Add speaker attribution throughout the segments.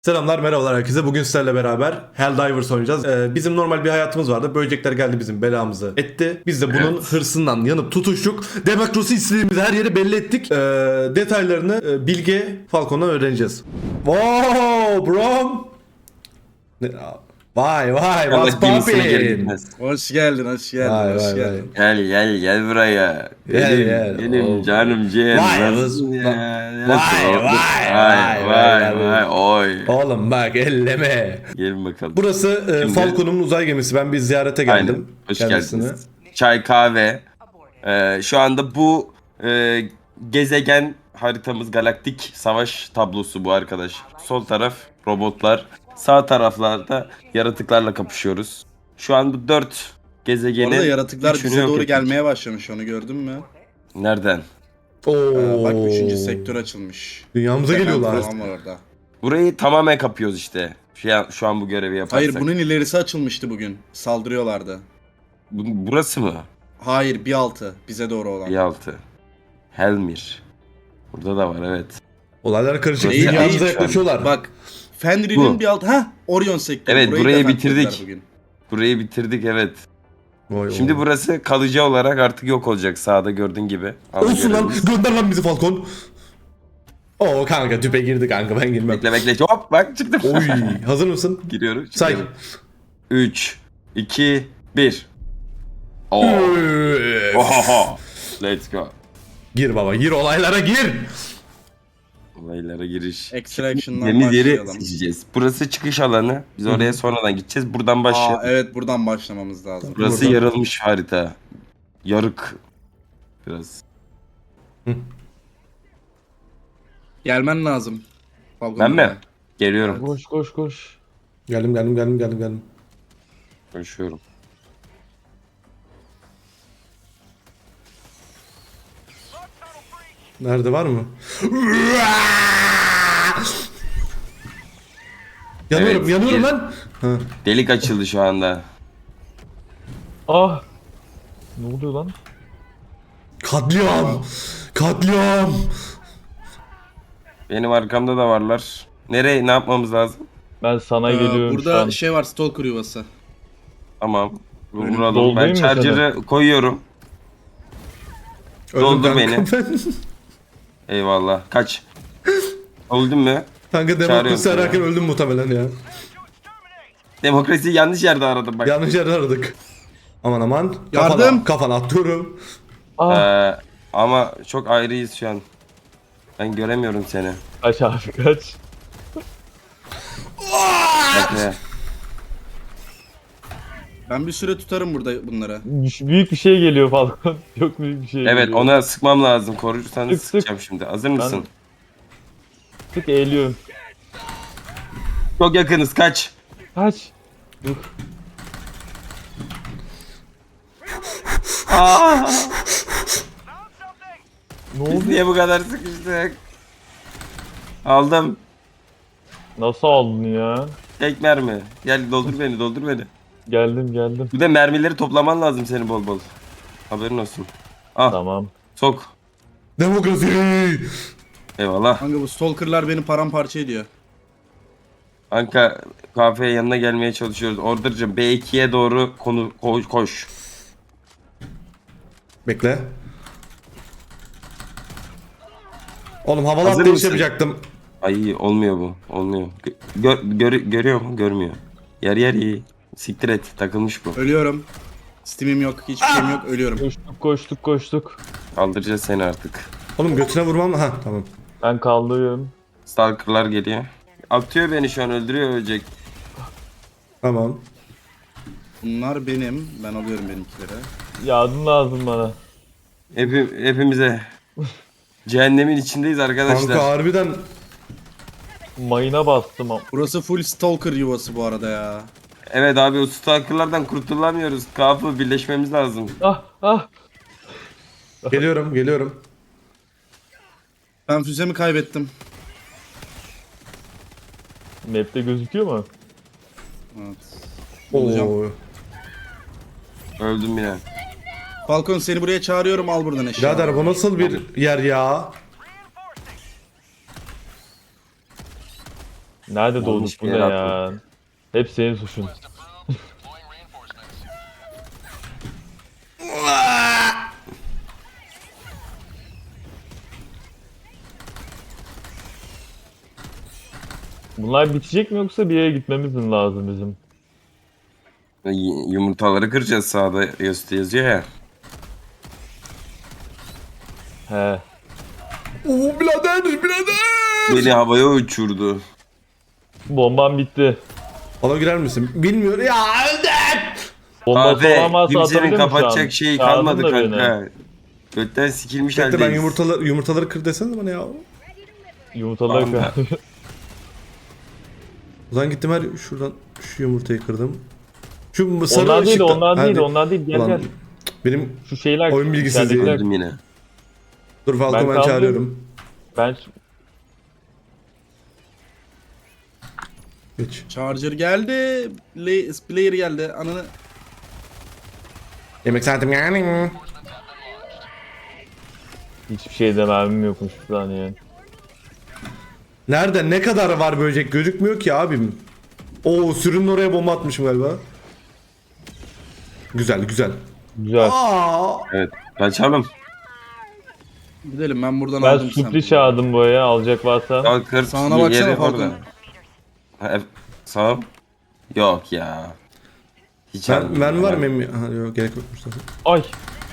Speaker 1: Selamlar, merhabalar herkese. Bugün sizlerle beraber Helldivers oynayacağız. Bizim normal bir hayatımız vardı. Böcekler geldi bizim belamızı etti. Biz de bunun hırsından yanıp tutuştuk. Demokrasi istediğimizi her yere belli ettik. Detaylarını Bilge Falcon'dan öğreneceğiz. Wow bro. Vay what's poppin'?
Speaker 2: Hoş geldin, hoş geldin,
Speaker 1: Vay,
Speaker 2: hoş
Speaker 1: vay,
Speaker 2: geldin.
Speaker 3: Gel buraya. Benim
Speaker 1: Oh.
Speaker 3: canım ciğerim.
Speaker 1: Vay,
Speaker 3: Nasılsın ya?
Speaker 1: vay.
Speaker 3: Oy.
Speaker 1: Oğlum bak elleme.
Speaker 3: Gelin bakalım.
Speaker 1: Burası
Speaker 3: Şimdi-
Speaker 1: Falcon'un uzay gemisi. Ben bir ziyarete geldim.
Speaker 3: Aynen. Hoş
Speaker 1: kendisine.
Speaker 3: geldiniz. Çay, kahve. Şu anda bu gezegen haritamız galaktik savaş tablosu bu arkadaş. Sol taraf robotlar. Sağ taraflarda yaratıklarla kapışıyoruz. Şu an bu 4 gezegenin
Speaker 2: Orada yaratıklar
Speaker 3: üçünü
Speaker 2: bize
Speaker 3: yok
Speaker 2: doğru
Speaker 3: ettik.
Speaker 2: gelmeye başlamış, onu gördün mü?
Speaker 3: Nereden?
Speaker 2: Bak
Speaker 1: Oo.
Speaker 2: 3. sektör açılmış.
Speaker 1: Dünyamıza geliyorlar.
Speaker 2: Falan var orada.
Speaker 3: Burayı tamamen kapıyoruz işte. Şu an bu görevi yaparsak.
Speaker 2: Hayır, bunun ilerisi açılmıştı bugün. Saldırıyorlardı.
Speaker 3: Burası mı?
Speaker 2: Hayır, bir altı. Bize doğru olan.
Speaker 3: Bir altı. Helmir. Burada da var evet.
Speaker 1: Olaylar karışık.
Speaker 2: Değil,
Speaker 1: Dünyamıza
Speaker 2: değil.
Speaker 1: yaklaşıyorlar.
Speaker 2: Bak, Fenrir'in
Speaker 3: Bu.
Speaker 2: bir altı. Orion sektörü.
Speaker 3: Evet, burayı
Speaker 2: da
Speaker 3: bitirdik.
Speaker 2: fethettiler bugün.
Speaker 3: Burayı bitirdik evet.
Speaker 1: Vay
Speaker 3: Şimdi
Speaker 1: vay.
Speaker 3: burası kalıcı olarak artık yok olacak sağda gördüğün gibi. Ana
Speaker 1: Olsun lan,
Speaker 3: görevimiz.
Speaker 1: gönder lan bizi Falcon. Oo kanka tüpe girdi kanka, ben girmem.
Speaker 3: Bekle hop bak çıktım.
Speaker 1: Oy, hazır mısın?
Speaker 3: Giriyorum.
Speaker 1: Say.
Speaker 3: 3, 2, 1. Oo.
Speaker 1: Üf.
Speaker 3: Ohoho. Let's go.
Speaker 1: Gir baba, gir olaylara gir.
Speaker 3: Olaylara giriş.
Speaker 2: Extraction'dan
Speaker 3: Deniz yeri
Speaker 2: başlayalım.
Speaker 3: seçeceğiz. Burası çıkış alanı. Biz oraya sonradan gideceğiz. Buradan başlayalım.
Speaker 2: Evet, buradan başlamamız lazım.
Speaker 3: Burası
Speaker 1: Buradan.
Speaker 3: yarılmış harita. Yarık. Biraz.
Speaker 2: Gelmen lazım. Falcon
Speaker 3: Ben mi?
Speaker 2: buraya.
Speaker 3: Geliyorum.
Speaker 4: Koş.
Speaker 1: Geldim.
Speaker 3: Konuşuyorum.
Speaker 1: Nerede, var mı? Yanıyorum,
Speaker 3: Evet,
Speaker 1: yanıyorum
Speaker 3: gir.
Speaker 1: lan. Ha.
Speaker 3: Delik açıldı şu anda.
Speaker 4: Ah! Ne oluyor lan?
Speaker 1: Katliam.
Speaker 3: Benim arkamda da varlar. Nereye ne yapmamız lazım?
Speaker 4: Ben sana geliyorum şu
Speaker 2: Burada
Speaker 4: an.
Speaker 2: şey var, Stalker yuvası.
Speaker 3: Tamam.
Speaker 2: Önüm
Speaker 3: Vuralım.
Speaker 4: doldurayım
Speaker 3: Ben
Speaker 4: mı
Speaker 3: charger'ı koyuyorum. Doldur
Speaker 1: Öldüm
Speaker 3: beni.
Speaker 1: kanka ben.
Speaker 3: Eyvallah. Kaç. Öldün mü?
Speaker 1: Kanka
Speaker 3: Çağırıyorum
Speaker 1: demokrasi
Speaker 3: seni.
Speaker 1: ararken öldüm muhtemelen ya.
Speaker 3: Demokrasiyi yanlış yerde aradım bak.
Speaker 1: Yanlış yerde aradık. Aman.
Speaker 2: Yardım.
Speaker 1: Kafana atıyorum.
Speaker 4: Ah!
Speaker 3: Ama çok ayrıyız şu an. Ben göremiyorum seni.
Speaker 4: Kaç abi kaç.
Speaker 3: Bekle.
Speaker 2: Ben bir süre tutarım burada bunları.
Speaker 4: Büyük bir şey geliyor falan. Çok büyük bir şey
Speaker 3: Evet
Speaker 4: geliyor.
Speaker 3: ona sıkmam lazım. Korursanız
Speaker 4: Sık, sık.
Speaker 3: sıkacağım şimdi. Hazır mısın?
Speaker 4: Tık eğiliyorum.
Speaker 3: Çok yakınız kaç.
Speaker 4: Kaç. Dur.
Speaker 3: Aa,
Speaker 4: Ne
Speaker 3: biz
Speaker 4: oldu?
Speaker 3: niye bu kadar sıkıştık? Aldım.
Speaker 4: Nasıl aldın ya?
Speaker 3: Tek mermi. Gel doldur beni.
Speaker 4: Geldim.
Speaker 3: Bir de mermileri toplaman lazım seni bol bol. Haberin olsun. Ah
Speaker 4: Tamam.
Speaker 3: sok.
Speaker 1: Demokrasi.
Speaker 3: Eyvallah.
Speaker 2: Kanka bu Stalker'lar beni paramparça ediyor.
Speaker 3: Anka kafeye yanına gelmeye çalışıyoruz. Order'cığım B2'ye doğru koş.
Speaker 1: Bekle. Oğlum havalı
Speaker 3: Hazır
Speaker 1: atlayış
Speaker 3: mısın?
Speaker 1: yapacaktım.
Speaker 3: Ay olmuyor bu. Olmuyor. Görüyor mu? Görmüyor. Yer iyi. Siktir et. Takılmış bu.
Speaker 2: Ölüyorum. Steam'im yok, hiçbir şeyim yok, ölüyorum.
Speaker 4: Koştuk.
Speaker 3: Kaldıracağız seni artık.
Speaker 1: Oğlum götüne vurmam. Ha tamam.
Speaker 4: Ben kaldırıyorum.
Speaker 3: Stalker'lar geliyor. Atıyor beni şu an öldürüyor ölecek.
Speaker 1: Tamam.
Speaker 2: Bunlar benim, ben alıyorum benimkileri.
Speaker 4: Yardım lazım bana.
Speaker 3: Hepimize. Cehennemin içindeyiz arkadaşlar.
Speaker 1: Kanka harbiden
Speaker 4: Mayına bastım.
Speaker 2: Burası full Stalker yuvası bu arada ya.
Speaker 3: Evet abi o stalker'lardan kurtulamıyoruz. Kapı birleşmemiz lazım.
Speaker 4: Ah!
Speaker 1: geliyorum.
Speaker 2: Ben füzemi kaybettim.
Speaker 4: Map'te gözüküyor mu?
Speaker 2: Evet. Bulacağım.
Speaker 1: Oo.
Speaker 3: Öldüm yine.
Speaker 2: Falcon seni buraya çağırıyorum, al buradan eşya.
Speaker 1: Birader bu nasıl bir yer ya?
Speaker 4: Nerede
Speaker 3: Yanlış
Speaker 4: doğduk bu
Speaker 3: bir
Speaker 4: ne
Speaker 3: yere
Speaker 4: ya? Hep senin suçun. Bunlar bitecek mi yoksa bir yere gitmemiz mi lazım bizim?
Speaker 3: Yumurtaları kıracağız, sağda yazıyor ya.
Speaker 4: He.
Speaker 1: Oo birader.
Speaker 3: Beni havaya uçurdu.
Speaker 4: Bombam bitti.
Speaker 1: Bana girer misin? Bilmiyor. Ya öldüm.
Speaker 4: Bombası
Speaker 3: Abi
Speaker 4: olan varsa
Speaker 3: kimsenin
Speaker 4: atabilir mi şu an?
Speaker 3: kapatacak şeyi
Speaker 4: Çağırdın
Speaker 3: kalmadı
Speaker 4: da beni.
Speaker 3: kanka. Götten sikilmiş
Speaker 1: Bekle ben
Speaker 3: haldeyiz.
Speaker 1: yumurtaları kır desene bana ya.
Speaker 4: Yumurtaları
Speaker 3: Tamam.
Speaker 4: kır.
Speaker 1: O zaman gittim şuradan şu yumurtayı kırdım. Şu sarı
Speaker 4: Onlar değil,
Speaker 1: ışıkta-
Speaker 4: onlar değil,
Speaker 1: Hadi.
Speaker 4: onlar değil. Gel
Speaker 1: Ulan,
Speaker 4: gel.
Speaker 1: benim
Speaker 4: Şu şeyler.
Speaker 1: oyun bilgisizliği.
Speaker 4: içeridekiler-
Speaker 3: Öldüm yine.
Speaker 1: dur Falco
Speaker 4: Ben
Speaker 1: ben
Speaker 4: kaldım.
Speaker 1: çağırıyorum.
Speaker 4: Ben
Speaker 1: Geç.
Speaker 2: Charger geldi. Player geldi. Ananı.
Speaker 1: Yemek saatim yani.
Speaker 4: hiçbir şeyde mermim yokmuş bir saniye.
Speaker 1: Nerede ne kadar var böcek gözükmüyor ki abim. Oo sürünün oraya bomba atmışım galiba. Güzel.
Speaker 4: Güzel.
Speaker 1: Aa.
Speaker 3: Evet. Kaçalım.
Speaker 2: Gidelim, ben buradan
Speaker 4: Ben
Speaker 2: aldım
Speaker 4: sürpriz çağırdım buraya, alacak varsa.
Speaker 3: Kalkır.
Speaker 2: Sağına baksana
Speaker 3: yeri
Speaker 2: Falcon.
Speaker 3: orada. Sağ. Yok ya. Hiç
Speaker 1: Ben
Speaker 3: almıyorum.
Speaker 1: var mı emmi? Ha yok gerek yokmuş zaten.
Speaker 4: Ay.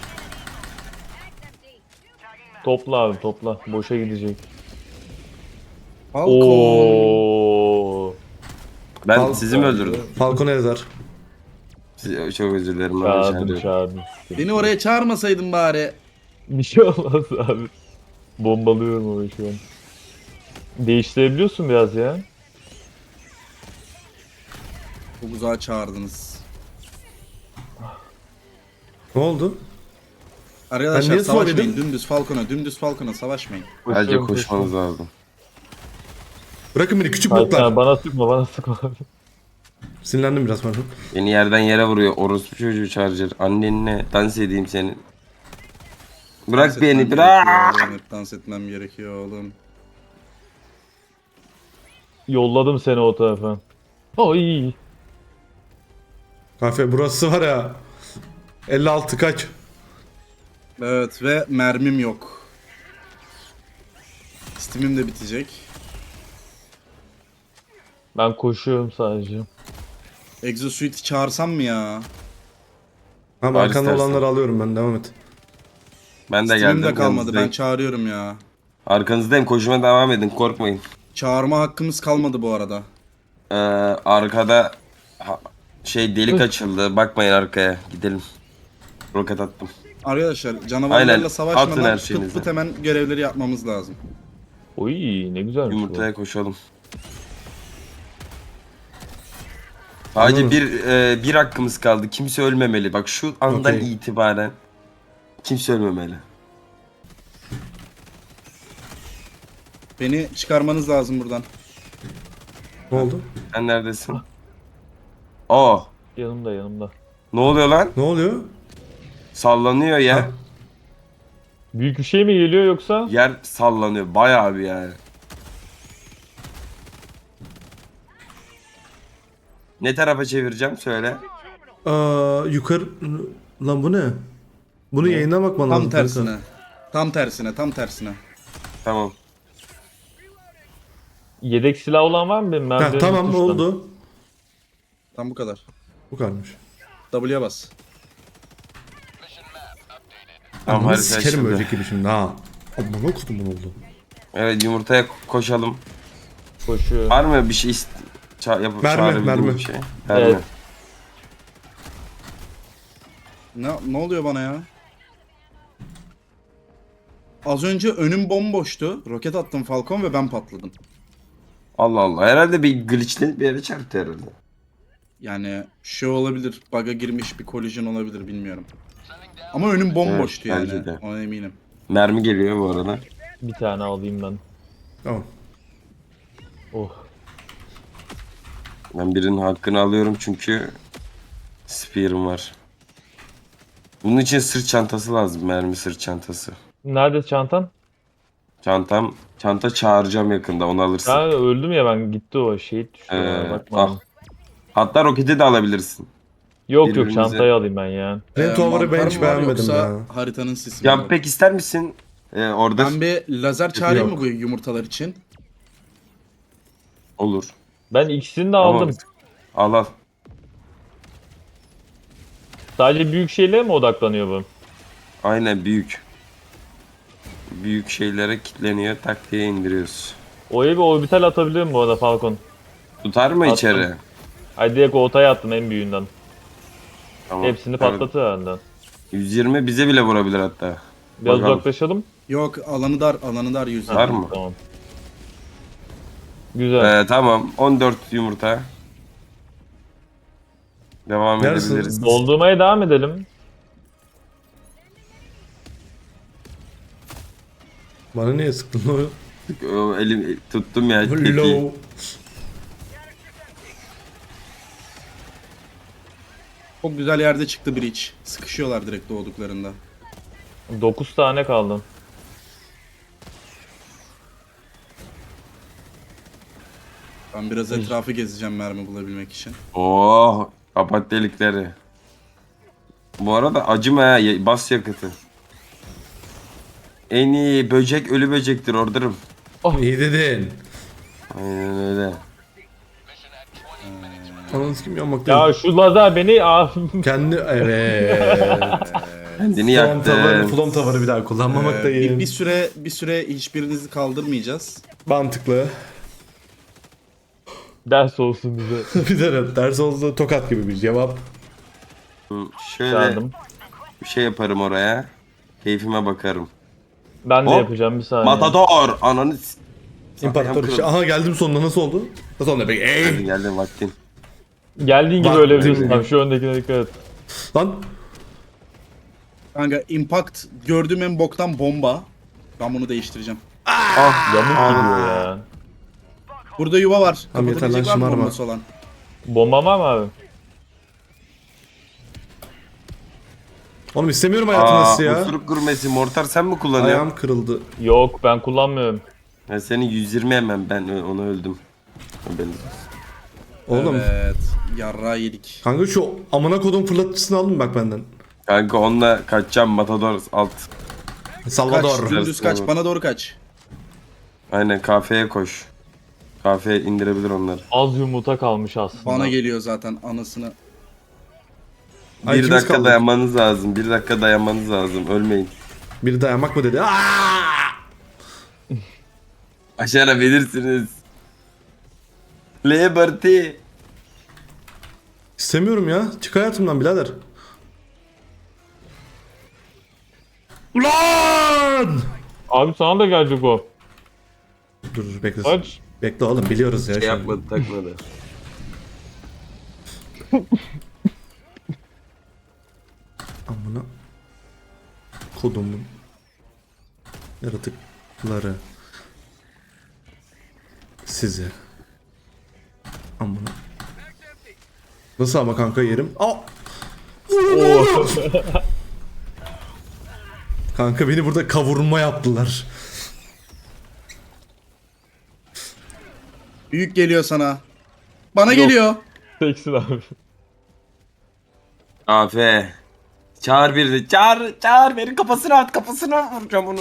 Speaker 4: Topla abi topla. Boşa gidecek.
Speaker 2: Falcon.
Speaker 4: Oo.
Speaker 3: Ben
Speaker 1: Fal-
Speaker 3: sizi mi öldürdüm?
Speaker 1: Falcon Ezar.
Speaker 3: Çok özür dilerim. Ben
Speaker 4: Çağırdım
Speaker 3: içeride-
Speaker 4: çağırdım.
Speaker 2: Beni oraya çağırmasaydın bari.
Speaker 4: Bir şey olmaz abi. Bombalıyorum orayı şu an. Değiştirebiliyorsun biraz ya.
Speaker 2: Çok uzağa çağırdınız.
Speaker 1: Ne oldu? Ben
Speaker 2: Arkadaşlar
Speaker 1: niye
Speaker 2: savaşmayın.
Speaker 1: söyledim?
Speaker 2: Dümdüz Falcon'a savaşmayın.
Speaker 3: Bence
Speaker 4: Koşuyorum,
Speaker 3: koşmanız lazım.
Speaker 1: Bırakın beni küçük
Speaker 4: Hayır,
Speaker 1: botlar.
Speaker 4: bana sıkma bana sıkma.
Speaker 1: Sinirlendim biraz pardon.
Speaker 3: Beni yerden yere vuruyor. Orospu çocuğu Charger. Annenle dans edeyim senin. Bırak
Speaker 2: Dans
Speaker 3: beni
Speaker 2: etmem
Speaker 3: bırak.
Speaker 2: gerekiyor oğlum, dans etmem gerekiyor oğlum.
Speaker 4: Yolladım seni o tarafa. Oy.
Speaker 1: Kafe burası var ya. 56 kaç?
Speaker 2: Evet ve mermim yok. Steam'im de bitecek.
Speaker 4: Ben koşuyorum sadece.
Speaker 2: Exosuite'i çağırsam mı ya?
Speaker 1: Tamam
Speaker 3: Var
Speaker 1: arkanda
Speaker 3: istersen.
Speaker 1: olanları alıyorum ben devam et.
Speaker 3: Ben de
Speaker 2: Steam'im
Speaker 3: geldim.
Speaker 2: de kalmadı. Ben
Speaker 3: yanınızdayım.
Speaker 2: çağırıyorum ya.
Speaker 3: Arkanızdayım. Koşuma devam edin. Korkmayın.
Speaker 2: Çağırma hakkımız kalmadı bu arada.
Speaker 3: Arkada delik açıldı. Bakmayın arkaya. Gidelim. Roket attım.
Speaker 2: Arkadaşlar
Speaker 3: Aynen,
Speaker 2: canavarlarla
Speaker 3: atın her
Speaker 2: savaşmadan pıt
Speaker 3: şeyinizi.
Speaker 2: pıt hemen görevleri yapmamız lazım.
Speaker 4: Oy ne güzelmiş
Speaker 3: Yumurtaya koşalım. Sadece
Speaker 1: Anladım.
Speaker 3: bir hakkımız kaldı. Kimse ölmemeli. Bak şu andan
Speaker 1: Okey.
Speaker 3: itibaren kimse ölmemeli.
Speaker 2: Beni çıkarmanız lazım buradan.
Speaker 1: Ne oldu?
Speaker 3: Sen neredesin? Aa,
Speaker 4: bu. Yanımda.
Speaker 3: ne oluyor lan?
Speaker 1: Ne oluyor?
Speaker 3: Sallanıyor ya.
Speaker 1: Ha.
Speaker 4: Büyük bir şey mi geliyor yoksa?
Speaker 3: Yer sallanıyor. Bayağı bir yani. Ne tarafa çevireceğim söyle.
Speaker 1: Yukarı... Lan bu ne? Bunu yayından bakman lazım.
Speaker 2: Tam
Speaker 1: kanka.
Speaker 2: tersine. Tam tersine.
Speaker 3: Tamam.
Speaker 4: Yedek silah olan var mı benim? Ben
Speaker 1: Heh,
Speaker 4: benim
Speaker 1: tamam
Speaker 4: tuştan.
Speaker 1: oldu.
Speaker 2: Tam bu kadar.
Speaker 1: Bu kadarmış.
Speaker 2: W'ye bas.
Speaker 3: Tamam,
Speaker 1: Ama
Speaker 3: harita
Speaker 1: sikerim
Speaker 3: açıldı.
Speaker 1: ölecek gibi şimdi ha. Amına kodum bunu oldu.
Speaker 3: Evet, yumurtaya koşalım.
Speaker 4: Koşuyor.
Speaker 3: Var mı bir şey yapıp
Speaker 1: Mermi,
Speaker 3: çağırabildiğim
Speaker 1: mermi.
Speaker 3: bir şey?
Speaker 4: Evet.
Speaker 2: Ne oluyor bana ya? Az önce önüm bomboştu. Roket attım Falcon ve ben patladım.
Speaker 3: Allah Allah. Herhalde bir glitchlenip bir yere çarptı herhalde.
Speaker 2: Yani şey olabilir. Bug'a girmiş bir collision olabilir, bilmiyorum. Ama önüm bomboştu
Speaker 3: Evet, bence
Speaker 2: yani.
Speaker 3: de.
Speaker 2: Ona eminim.
Speaker 3: Mermi geliyor bu arada.
Speaker 4: Bir tane alayım ben.
Speaker 1: Tamam.
Speaker 4: Oh.
Speaker 3: Ben birinin hakkını alıyorum çünkü spear'ım var. Bunun için sırt çantası lazım. Mermi sırt çantası.
Speaker 4: Nerede çantan?
Speaker 3: Çantam Çanta çağıracağım yakında, onu alırsın.
Speaker 4: Ben öldüm ya, ben gitti o şehit düştü bana, bakmadım.
Speaker 3: Al. Hatta roketi de alabilirsin.
Speaker 4: Yok
Speaker 3: birbirimize-
Speaker 4: çantayı alayım ben ya.
Speaker 1: Flame Tower'ı ben
Speaker 2: mantar
Speaker 1: hiç
Speaker 2: mı var
Speaker 1: beğenmedim
Speaker 2: yoksa
Speaker 1: ya.
Speaker 2: haritanın sisi mi var?
Speaker 3: Ya pek ister misin? Orada
Speaker 2: Ben bir lazer çağırayım
Speaker 1: Yok.
Speaker 2: mı bu yumurtalar için?
Speaker 3: olur.
Speaker 4: Ben ikisini de
Speaker 3: Ama-
Speaker 4: aldım.
Speaker 3: Al al.
Speaker 4: Sadece büyük şeylere mi odaklanıyor bu?
Speaker 3: Aynen, büyük. Büyük şeylere kilitleniyor, tak diye indiriyoruz.
Speaker 4: Oraya bir orbital atabilir mi bu arada Falcon?
Speaker 3: Tutar mı
Speaker 4: Attım.
Speaker 3: içeri?
Speaker 4: Ay direkt ortaya attım en büyüğünden.
Speaker 3: Tamam.
Speaker 4: Hepsini
Speaker 3: Evet.
Speaker 4: patlatır herhalde.
Speaker 3: 120 bize bile vurabilir hatta.
Speaker 4: Biraz
Speaker 3: Bakalım.
Speaker 4: uzaklaşalım.
Speaker 2: Yok, alanı dar yüzde.
Speaker 3: Var mı?
Speaker 4: Tamam. Güzel.
Speaker 3: Tamam, 14 yumurta. Devam
Speaker 1: Neresin?
Speaker 3: edebiliriz.
Speaker 4: Doldurmaya devam edelim.
Speaker 1: Bana niye sıktın o?
Speaker 3: Elim tuttum ya. tetiği.
Speaker 1: Low.
Speaker 2: Çok güzel yerde çıktı Breach. Sıkışıyorlar direkt doğduklarında.
Speaker 4: 9 tane kaldı.
Speaker 2: Ben biraz etrafı gezeceğim mermi bulabilmek için.
Speaker 3: Oh, kapat delikleri. Bu arada acıma ha, bas yakıtı. En iyi böcek ölü böcektir orderım.
Speaker 1: İyi dedin.
Speaker 3: Aynen öyle.
Speaker 1: Ananı sikim yanmakta.
Speaker 4: Ya şu lazer beni
Speaker 1: Kendi evet.
Speaker 3: Kendini
Speaker 1: Flame Tower'ı,
Speaker 3: yaktı.
Speaker 1: Flame Tower'ı bir daha kullanmamak da iyi.
Speaker 2: Bir süre hiçbirinizi kaldırmayacağız.
Speaker 1: Mantıklı.
Speaker 4: ders olsun bize.
Speaker 1: Bir de ders oldu tokat gibi bir cevap.
Speaker 3: Şöyle
Speaker 4: Çağırdım.
Speaker 3: bir şey yaparım oraya. Keyfime bakarım.
Speaker 4: Ben de
Speaker 3: Hop.
Speaker 4: yapacağım bir saniye.
Speaker 3: Matador! Ananı
Speaker 1: İmparator işte. Aha geldim sonunda, nasıl oldu? Nasıl oldu peki?
Speaker 3: Geldim vaktin.
Speaker 4: Geldiğin gibi
Speaker 1: Bak,
Speaker 4: öyle biliyorsun
Speaker 1: değil mi?
Speaker 4: abi, şu öndekine dikkat et.
Speaker 1: Lan
Speaker 2: Kanka impact gördüğüm en boktan bomba. Ben bunu değiştireceğim.
Speaker 4: Yamuk gidiyor ya.
Speaker 2: Burada yuva var.
Speaker 1: Tamam, yeter lan,
Speaker 2: Kapatabilecek var mı
Speaker 1: şımarma.
Speaker 2: bombası olan?
Speaker 4: Bomba var mı abi?
Speaker 1: oğlum istemiyorum hayatımda sizi ya.
Speaker 3: Osuruk gurmesi mortar sen mi kullanıyorsun?
Speaker 1: Ayağım kırıldı.
Speaker 4: Yok ben kullanmıyorum.
Speaker 3: Ben seni 120 hemen ben onu öldüm. Haberiniz olsun.
Speaker 1: Oğlum.
Speaker 2: Evet. Yarra yedik.
Speaker 1: Kanka şu amına kodum fırlatıcısını aldın bak benden.
Speaker 3: Kanka onunla kaçacağım Matador alt.
Speaker 1: Salvador.
Speaker 2: Kaç. Dümdüz kaç. Bana doğru kaç.
Speaker 3: Aynen kafeye koş. Kafeye indirebilir onları.
Speaker 4: Az yumurta kalmış aslında.
Speaker 2: Bana geliyor zaten anasını.
Speaker 1: Ay,
Speaker 3: Bir
Speaker 1: ikimiz
Speaker 3: dakika
Speaker 1: kaldık.
Speaker 3: dayanmanız lazım. Bir dakika dayanmanız lazım. Ölmeyin.
Speaker 1: Biri dayanmak mı dedi? Aa!
Speaker 3: Başarabilirsiniz. Liberty.
Speaker 1: İstemiyorum ya. Çık hayatımdan birader. Ulan!
Speaker 4: Abi sana da gelecek o.
Speaker 1: Dur bekle.
Speaker 4: Kaç.
Speaker 1: Bekle oğlum, biliyoruz ya.
Speaker 3: Şey
Speaker 1: şimdi.
Speaker 3: yapmadı, takmadı.
Speaker 1: Amına kodumun yaratıkları sizi. Amına. Nasıl ama kanka yerim? Aa! Kanka beni burada kavurma yaptılar.
Speaker 2: Büyük geliyor sana. Bana
Speaker 4: Yok.
Speaker 2: geliyor.
Speaker 4: Teksin abi.
Speaker 3: Afe. Çağır birini. Çağır. Verin kafasına at. Kafasına vuracağım onu.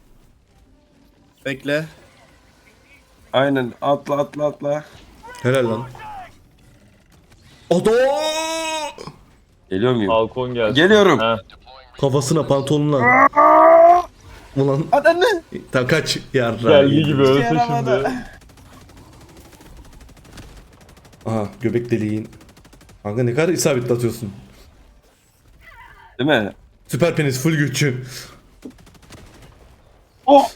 Speaker 2: Bekle.
Speaker 3: Aynen. Atla.
Speaker 1: Helal lan. Odo!
Speaker 3: Geliyor muyum?
Speaker 4: Balkon geldi.
Speaker 3: Geliyorum.
Speaker 4: Ha.
Speaker 1: Kafasına pantolonuna. Ulan
Speaker 3: Adamı.
Speaker 1: ta kaç yarra.
Speaker 4: Geldiği gibi ölsün şimdi.
Speaker 1: Aha göbek deliğin. Kanka ne kadar isabetli atıyorsun.
Speaker 3: Değil mi?
Speaker 1: Süper penis full güççü.
Speaker 3: Oh.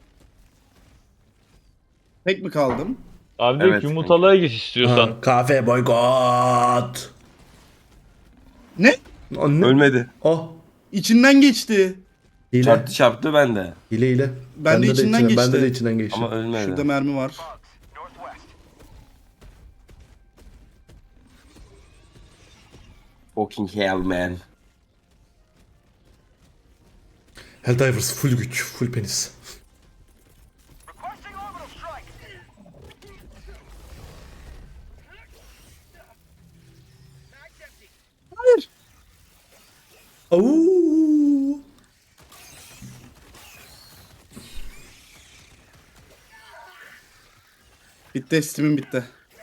Speaker 2: Tek mi kaldım?
Speaker 4: Abi direkt
Speaker 3: Evet.
Speaker 4: yumurtalığa geç istiyorsan.
Speaker 1: Ha, kahve boykot.
Speaker 2: Ne?
Speaker 1: Anne.
Speaker 3: Ölmedi.
Speaker 1: Oh.
Speaker 2: İçinden geçti.
Speaker 1: Hile.
Speaker 3: Çarptı ben de.
Speaker 1: Hile.
Speaker 2: Ben de içinden geçti.
Speaker 1: Bende de içinden geçti.
Speaker 3: Ama ölmedi.
Speaker 2: Şurada mermi var.
Speaker 3: Fucking hell man.
Speaker 1: Helldivers full güç, full penis. Oo.
Speaker 2: Bitti, Steam'im bitti.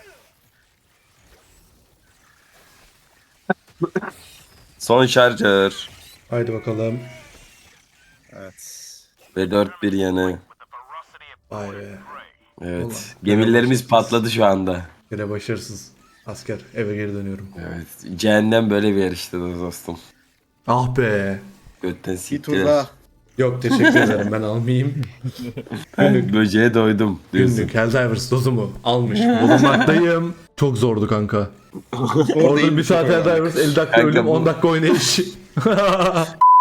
Speaker 3: Son şarjör.
Speaker 1: Haydi bakalım.
Speaker 2: Evet.
Speaker 3: Ve 4-1 yanı.
Speaker 1: Vay be.
Speaker 3: Evet.
Speaker 1: Ulan,
Speaker 3: Gemilerimiz
Speaker 1: başarısız.
Speaker 3: patladı şu anda.
Speaker 1: Yine başarısız. Asker eve geri dönüyorum.
Speaker 3: Evet. Cehennem böyle bir yer işte dostum.
Speaker 1: Ah be.
Speaker 3: Götten
Speaker 2: Bir tur
Speaker 3: siktir.
Speaker 2: daha.
Speaker 1: Yok teşekkür ederim ben almayayım.
Speaker 3: Böceğe doydum diyorsun.
Speaker 1: Günlük Helldivers dozumu almış bulunmaktayım. Çok zordu kanka. Orada bir saat Helldivers 50 dakika
Speaker 3: Kanka
Speaker 1: ölüm
Speaker 3: bu-
Speaker 1: 10 dakika oynayış.